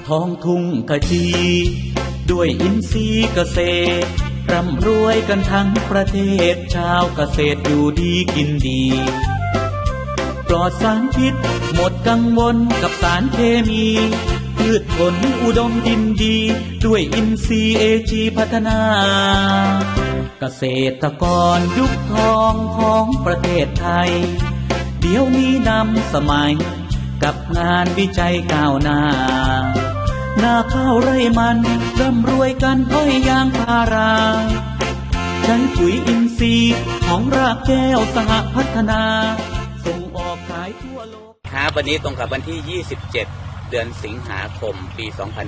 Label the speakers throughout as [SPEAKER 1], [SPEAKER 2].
[SPEAKER 1] ท้องทุ่งขจีด้วยอินทรีย์เกษตรร่ำรวยกันทั้งประเทศชาวเกษตรอยู่ดีกินดีปลอดสารพิษหมดกังวลกับสารเคมีพืชผลอุดมดินดีด้วยอินทรีย์AGพัฒนาเกษตรกรยุคทองของประเทศไทยเดี๋ยวนี้นำสมัยกับงานวิจัยก้าวหน้านาข้าวไร่มันร่ำรวยกันอ้อยยางพาราใช้ปุ๋ยอินทรีย์ของรากแก้วสหพัฒนาส่งออกขายทั่วโลกครับวันนี้ตรงกับวันที่ 27 เดือนสิงหาคม ปี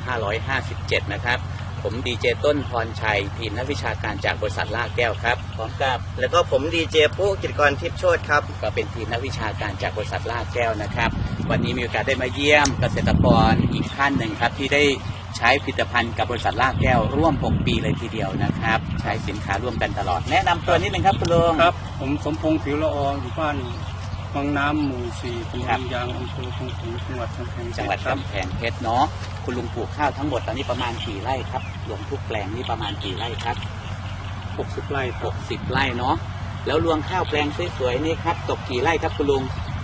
[SPEAKER 1] 2557 นะครับผมดีเจต้นพรชัยทีมนักวิชาการจากบริษัทลากแก้วครับพร้อมกับ
[SPEAKER 2] แล้วก็ผมดีเจปุ๊กิจกรทิพย์โชติครับ
[SPEAKER 1] ก็เป็นทีมนักวิชาการจากบริษัทลากแก้วนะครับวันนี้มีโอกาสได้มาเยี่ยมเกษตรกรอีกท่านหนึ่งครับที่ได้ใช้ผลิตภัณฑ์กับบริษัทลากแก้วร่วม6 ปีเลยทีเดียวนะครับใช้สินค้าร่วมกันตลอดแนะนำตัวนิดนึงครับคุณลุง
[SPEAKER 3] ครับผมสมพงษ์ผิวละอองอยู่บ้านวังน้ำหมู่ 4 ตำบลยางอำเภอคงถึงจังหวัดกำแพง
[SPEAKER 1] เพชรเนาะคุณลุงปลูกข้าวทั้งหมดตอนนี้ประมาณกี่ไร่ครับรวมทุกแปลงนี่ประมาณกี่ไร่ครับ
[SPEAKER 3] 60 ไร่
[SPEAKER 1] 60 ไร่เนาะแล้วรวมข้าวแปลงสวยๆนี่ครับตกกี่ไร่ครับคุณลุง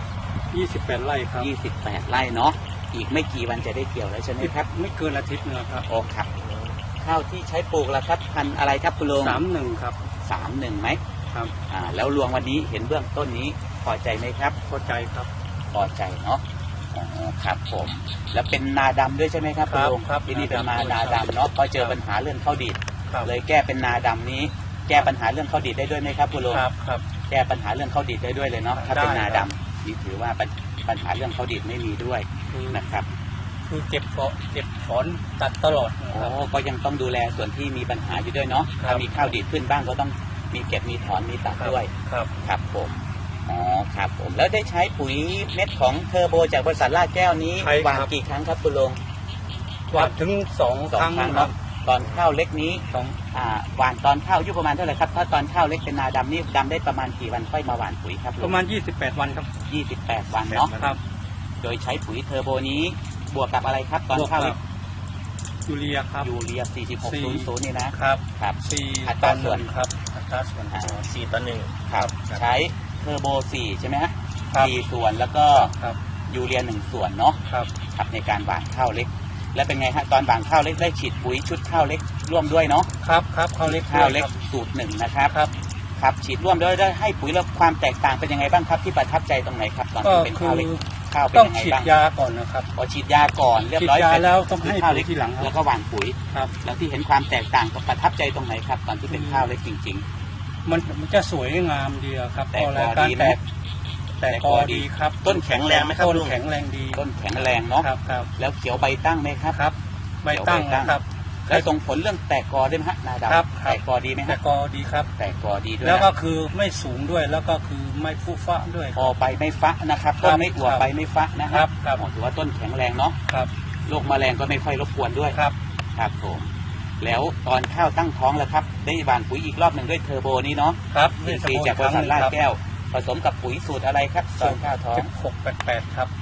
[SPEAKER 3] 28 ไร่ครับ
[SPEAKER 1] 28 ไร่เนาะอีกไม่กี่วันจะได้เกี่ยวแล้วใช่ไหมครับ
[SPEAKER 3] ไม่เกินอาทิตย์นึงครับ
[SPEAKER 1] โอ้ครับข้าวที่ใช้ปลูกล่ะครับพันธุ์อะไรครับคุณลุง
[SPEAKER 3] 31ครับ
[SPEAKER 1] 31ไหม
[SPEAKER 3] ครับ
[SPEAKER 1] แล้วรวงวันนี้เห็นเบื้องต้นนี้พอใจไหมครับ
[SPEAKER 3] พอใจครับ
[SPEAKER 1] พอใจเนาะครับผมแล้วเป็นนาดำด้วยใช่ไหมครับคุณลุงที่นี่เป็นนาดำเนาะพอเจอปัญหาเรื่องข้าวดีดเลยแก้เป็นนาดำนี้แก้ปัญหาเรื่องข้าวดีดได้ด้วยไหมครับคุณลุง
[SPEAKER 3] ครับ
[SPEAKER 1] แก้ปัญหาเรื่องข้าวดีดได้ด้วยเลยเนาะถ้าเป็นนาดำนี่ถือว่าปัญหาเรื่องข้าวดีดไม่มีด้วยนะครับ
[SPEAKER 3] คือเก็บถอนตัดตลอด
[SPEAKER 1] ก็ยังต้องดูแลส่วนที่มีปัญหาอยู่ด้วยเนาะถ้ามีข้าวดีดขึ้นบ้างก็ต้องมีเก็บมีถอนมีตัดด้วยครับผมครับผมแล้วได้ใช้ปุ๋ยเม็ดของเทอร์โบจากบริษัทลากแก้วนี้หว่านกี่ครั้งครับคุณลุง
[SPEAKER 3] หว่านถึง2 ครั้ง
[SPEAKER 1] เนาะตอนข้าวเล็กนี้หว่านตอนข้าวอายุประมาณเท่าไหร่ครับถ้าตอนข้าวเล็กเป็นนาดำนี่ดำได้ประมาณกี่วันค่อยมาหว่านปุ๋ยครับ
[SPEAKER 3] ประมาณ28 วันครับ
[SPEAKER 1] 28 วันเนาะครับโดยใช้ปุ๋ยเทอร์โบนี้บวกกับอะไรครับตอนข้าวเล็ก
[SPEAKER 3] ยูเรียครับ
[SPEAKER 1] ยูเรีย4600นี่
[SPEAKER 3] นะครับ
[SPEAKER 1] อัตราส่วน
[SPEAKER 3] ครับอัตราส่วน
[SPEAKER 2] 4:1
[SPEAKER 1] ครับใช้เทอร์โบ4ใช่ไหมฮะ4 ส่วนแล้วก็ยูเรีย1 ส่วนเนาะครับในการหว่านข้าวเล็กแล้วเป็นไงฮะตอนหว่านข้าวเล็กได้ฉีดปุ๋ยชุดข้าวเล็กร่วมด้วยเนาะ
[SPEAKER 3] ครับข้าวเล็ก
[SPEAKER 1] สูตร1นะครับครับฉีดร่วมด้วยได้ให้ปุ๋ยแล้วความแตกต่างเป็นยังไงบ้างครับที่ประทับใจตรงไหนครับตอนที่เป็นข้าวเล็กข้าวเป็นยังไงบ้าง
[SPEAKER 3] ต้องฉีดยาก่อนนะครับ
[SPEAKER 1] พอฉีดยาก่อนเรียบร้อย
[SPEAKER 3] แล้วต้องให้ปุ๋ยทีหลัง
[SPEAKER 1] แล้วก็หว่านปุ๋ยครับแล้วที่เห็นความแตกต่างกับประทับใจตรงไหนครับตอนที่เป็นข้าวเล็กจริง
[SPEAKER 3] ๆมันจะสวยงามดีครับ
[SPEAKER 1] แต่กอดี
[SPEAKER 3] ครับ
[SPEAKER 2] ต้นแข็งแรงไหมครับ
[SPEAKER 3] ต้นแข็งแรงดี
[SPEAKER 1] ต้นแข็งแรงเนาะแล้วเขียวใบตั้งไหมครับ
[SPEAKER 3] ใบตั้งครับ
[SPEAKER 1] แล้วส่งผลเรื่องแตกกอได้ไหมฮะนาดำแตกกอดีไหมฮะ
[SPEAKER 3] แตกกอดีครับ
[SPEAKER 1] แตกกอดีด้วย
[SPEAKER 3] แล้วก็คือไม่สูงด้วยแล้วก็คือไม่ฟูฟ้าด้วย
[SPEAKER 1] พอใบไม่ฟ้านะครับต้นไม่อวบใบไม่ฟ้านะครับถือว่าต้นแข็งแรงเนาะโรคแมลงก็ไม่ค่อยรบกวนด้วยครับผมแล้วตอนข้าวตั้งท้องแล้วครับได้หว่านปุ๋ยอีกรอบหนึ่งด้วยเทอร์โบนี้เนาะ
[SPEAKER 3] ครับ
[SPEAKER 1] ปีจากบริษัทลาดแก้วผสมกับปุ๋ยสูตรอะไรครับตอนข้าวท้อง
[SPEAKER 3] 1688ครับ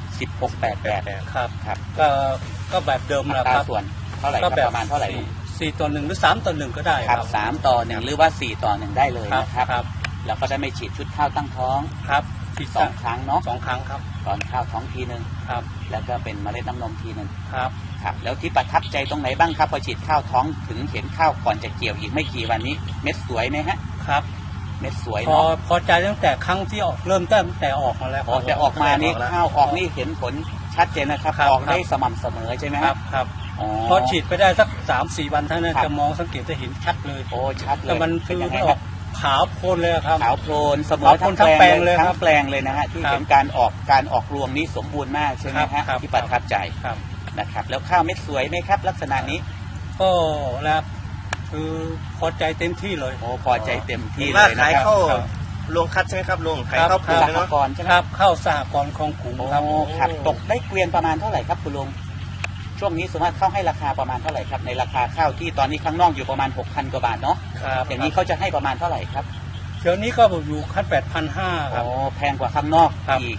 [SPEAKER 1] 1688
[SPEAKER 3] ครับก็แบบเดิมนะครับ
[SPEAKER 1] ส่วนเท่าไหร่ครับประมาณเท่าไหร่
[SPEAKER 3] 4:1หรือ3:1ก็ได้
[SPEAKER 1] ครับ3:1หรือว่า4:1ได้เลยนะครับแล้วก็ได้ไม่ฉีดชุดข้าวตั้งท้อง
[SPEAKER 3] ครับ
[SPEAKER 1] 2 ครั้งเนาะ
[SPEAKER 3] 2 ครั้งครับ
[SPEAKER 1] ตอนข้าวท้องทีนึง
[SPEAKER 3] ครับ
[SPEAKER 1] แล้วก็เป็นเมล็ดน้ำนมทีนึง
[SPEAKER 3] ครับ
[SPEAKER 1] แล้วที่ประทับใจตรงไหนบ้างครับพอฉีดข้าวท้องถึงเห็นข้าวก่อนจะเกี่ยวอีกไม่กี่วันนี้เม็ดสวยไหมฮะ
[SPEAKER 3] ครับ
[SPEAKER 1] เม็ดสวยเนาะ
[SPEAKER 3] พอใจตั้งแต่ครั้งที่ออกเริ่มตั้งแต่ออกมาแล้ว
[SPEAKER 1] แต่ออกมานี่ข้าวออกนี่เห็นผลชัดเจนนะครับออกได้สม่ำเสมอใช่ไหม
[SPEAKER 3] ครับพอฉีดไปได้สัก 3-4 วันเท่านั้นจะมองสังเกตจะเห็นชัดเลย
[SPEAKER 1] ชัดเลย
[SPEAKER 3] แต่มันคือออกขาวโพลนเลยครับ
[SPEAKER 1] ขาวโพลนเสมอทั้งแปลงเลยทั้งแปลงเลยนะฮะที่เห็นการออกรวงนี้สมบูรณ์มากใช่ไหมฮะที่ประทับใจนะครับแล้วข้าวเม็ดสวยไหมครับลักษณะนี้
[SPEAKER 3] ก็แล้วคือพอใจเต็มที่เลย
[SPEAKER 1] พอใจเต็มที่เลยนะครับ
[SPEAKER 2] ลงคัดใช่ไหมครับลุงขายข้าวปลูก
[SPEAKER 1] สหกรณ์ใช่ไหม
[SPEAKER 3] ครับข้าวสหกรณ์ของกลุ่ม
[SPEAKER 1] ครับตกได้เกวียนประมาณเท่าไหร่ครับคุณลุงช่วงนี้สมมติเข้าให้ราคาประมาณเท่าไหร่ครับในราคาข้าวที่ตอนนี้ข้างนอกอยู่ประมาณ 6,000 กว่าบาทเนาะอย่างนี้เขาจะให้ประมาณเท่าไหร่ครับ
[SPEAKER 3] เดี๋ยวนี้ก็อยู่ขั้น 8,500 ครับ
[SPEAKER 1] แพงกว่าข้างนอกอีก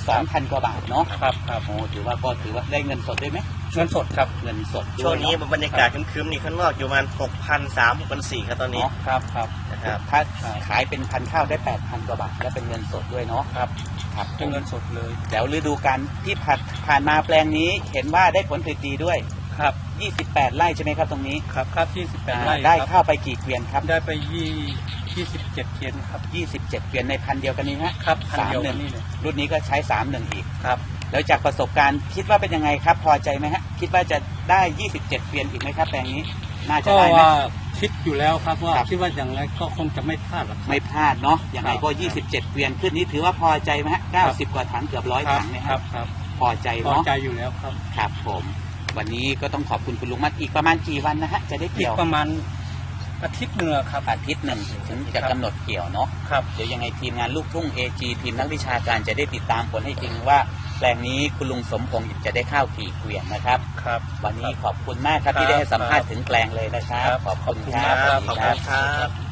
[SPEAKER 4] 2,000 กว่าบาทเนาะ
[SPEAKER 3] ครับครับ
[SPEAKER 4] โอ้ถือว่าได้เงินสดด้วยไหม
[SPEAKER 3] เงินสดครับ
[SPEAKER 4] เงินสดด้วย
[SPEAKER 2] ช่วงนี้
[SPEAKER 4] เาะ
[SPEAKER 2] บรรยากาศครึ้มๆนี่ข้างนอกอยู่ประมาณ6,300 6,400ครับตอนนี้
[SPEAKER 4] เนาะ
[SPEAKER 3] ครับครับ
[SPEAKER 2] นะครับ
[SPEAKER 4] ถ้าขายเป็นพันธุ์ข้าวได้ 8,000 กว่าบาทและเป็นเงินสดด้วยเนาะ
[SPEAKER 3] ครับ
[SPEAKER 4] ครับ
[SPEAKER 3] เป็นเงินสดเลย
[SPEAKER 4] แล้วฤดูกาลที่ผ่านมาแปลงนี้เห็นว่าได้ผลผลิตดีด้วย
[SPEAKER 3] ครับ
[SPEAKER 4] 28 ไร่ใช่ไหมครับตรงนี้
[SPEAKER 3] ครับครับ28 ไร่
[SPEAKER 4] ได้
[SPEAKER 3] ครับ
[SPEAKER 4] ข้าวไปกี่เกวียนครับ
[SPEAKER 3] ได้ไป27เกวียนครับ
[SPEAKER 4] 27 เกวียนในพันธุ์เดียวกันนี้ฮะ
[SPEAKER 3] ครับพันเดียวกันนี่เลย
[SPEAKER 4] รุ่นนี้ก็ใช้31อีก
[SPEAKER 3] ครับ
[SPEAKER 4] แล้วจากประสบการณ์คิดว่าเป็นยังไงครับ พอใจไหมฮะคิดว่าจะได้27เกวียนอีกไหมครับแปลงนี้น่าจะ
[SPEAKER 3] ก็
[SPEAKER 4] ได้ไหม
[SPEAKER 3] ว่าคิดอยู่แล้วครับว่า
[SPEAKER 4] ครับ
[SPEAKER 3] คิดว่าอย่างไรก็คงจะไม่พลาดหรอกครับ
[SPEAKER 4] ไม่พลาดเนาะอย่างไรก็
[SPEAKER 3] ครับ
[SPEAKER 4] 27เกวียนขึ้นนี้ถือว่าพอใจไหมฮะ90 กว่าถังเกือบ100 ถังเนย
[SPEAKER 3] ครับครับ
[SPEAKER 4] พอใจ
[SPEAKER 3] พอ
[SPEAKER 4] เนาะ
[SPEAKER 3] ใจอยู่แล้วครับ
[SPEAKER 4] ครับผมวันนี้ก็ต้องขอบคุณคุณลุงมัดอีกประมาณกี่วันนะฮะจะได้
[SPEAKER 3] อี
[SPEAKER 4] เกี่
[SPEAKER 3] ก
[SPEAKER 4] ยว
[SPEAKER 3] ประมาณอาทิตย์หนึ่งอะครับ
[SPEAKER 4] อาทิตย์หนึ่งถึงจะกำหนดเกี่ยวเนาะ
[SPEAKER 3] ครับ
[SPEAKER 4] เดี๋ยวยังไงทีมงานลูกทุ่ง AG ทีมนักวิชาการจะได้ติดตามผลให้จริงว่าแปลงนี้คุณลุงสมพงษ์จะได้ข้าวกี่เกวียนนะครับ
[SPEAKER 3] ครับ
[SPEAKER 4] วันนี้ขอบคุณมากครับที่ได้ให้สัมภาษณ์ถึงแปลงเลยนะครับ
[SPEAKER 3] ครับ
[SPEAKER 4] ขอบคุณ
[SPEAKER 3] ขอบคุณ
[SPEAKER 4] ค
[SPEAKER 3] ครั
[SPEAKER 4] รับ
[SPEAKER 2] ขอบคุณครับ